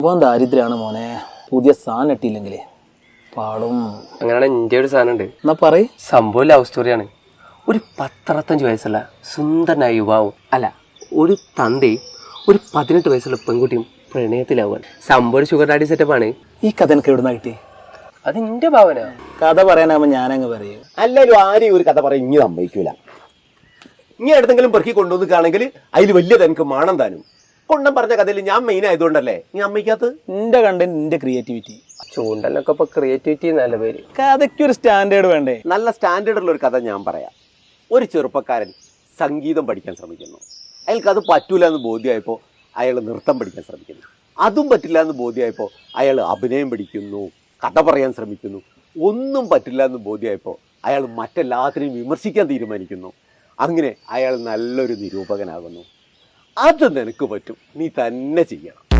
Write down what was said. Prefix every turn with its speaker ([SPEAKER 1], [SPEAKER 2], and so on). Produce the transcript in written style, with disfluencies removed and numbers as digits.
[SPEAKER 1] സംഭവം ദാരിദ്ര്യമാണ് മോനെ. പുതിയ സാധനം ഇട്ടില്ലെങ്കിലേ പാടും.
[SPEAKER 2] അങ്ങനെയാണ് എൻ്റെ ഒരു സാധനം ഉണ്ട്.
[SPEAKER 1] എന്നാ പറയ്.
[SPEAKER 2] സംഭവം ലവ് സ്റ്റോറിയാണ്. ഒരു 10-65 വയസ്സുള്ള സുന്ദരനായ യുവാവും ഒരു തന്തയും ഒരു 18 വയസ്സുള്ള പെൺകുട്ടിയും പ്രണയത്തിലാവാൻ. സംഭവം ഷുഗർ ഡാഡി സെറ്റപ്പാണ്.
[SPEAKER 1] ഈ കഥ എനിക്ക് എവിടുന്ന കിട്ടി?
[SPEAKER 2] അത് എൻ്റെ ഭാവന.
[SPEAKER 1] കഥ പറയാനാകുമ്പോൾ ഞാനങ്ങ് പറയും.
[SPEAKER 3] അല്ലാലും ആരെയും ഒരു കഥ പറയും ഇനി സമ്മതിക്കൂല. ഇനി എടുത്തെങ്കിലും പെറുക്കി കൊണ്ടുവന്നിക്കാണെങ്കിൽ അതിൽ വലിയത് എനിക്ക് മാണം താനും. കൊണ്ടം പറഞ്ഞ കഥയിൽ ഞാൻ മെയിൻ ആയതുകൊണ്ടല്ലേ നീ അമ്മയ്ക്കകത്ത്.
[SPEAKER 1] എന്റെ കണ്ടന്റ്, എന്റെ ക്രിയേറ്റിവിറ്റി.
[SPEAKER 2] ചൂണ്ടലിനൊക്കെ ഇപ്പൊ ക്രിയേറ്റിവിറ്റി നല്ല പേര്.
[SPEAKER 1] കഥയ്ക്കൊരു സ്റ്റാൻഡേർഡ് വേണ്ടേ?
[SPEAKER 3] നല്ല സ്റ്റാൻഡേർഡുള്ള ഒരു കഥ ഞാൻ പറയാം. ഒരു ചെറുപ്പക്കാരൻ സംഗീതം പഠിക്കാൻ ശ്രമിക്കുന്നു. അയാൾക്ക് അത് പറ്റൂല എന്ന് ബോധ്യമായപ്പോൾ അയാൾ നൃത്തം പഠിക്കാൻ ശ്രമിക്കുന്നു. അതും പറ്റില്ല എന്ന് ബോധ്യമായപ്പോൾ അയാൾ അഭിനയം പഠിക്കുന്നു, കഥ പറയാൻ ശ്രമിക്കുന്നു. ഒന്നും പറ്റില്ല എന്ന് ബോധ്യമായപ്പോൾ അയാൾ മറ്റെല്ലാത്തിനെയും വിമർശിക്കാൻ തീരുമാനിക്കുന്നു. അങ്ങനെ അയാൾ നല്ലൊരു നിരൂപകനാകുന്നു. അത് നിനക്ക് പറ്റും, നീ തന്നെ ചെയ്യണം.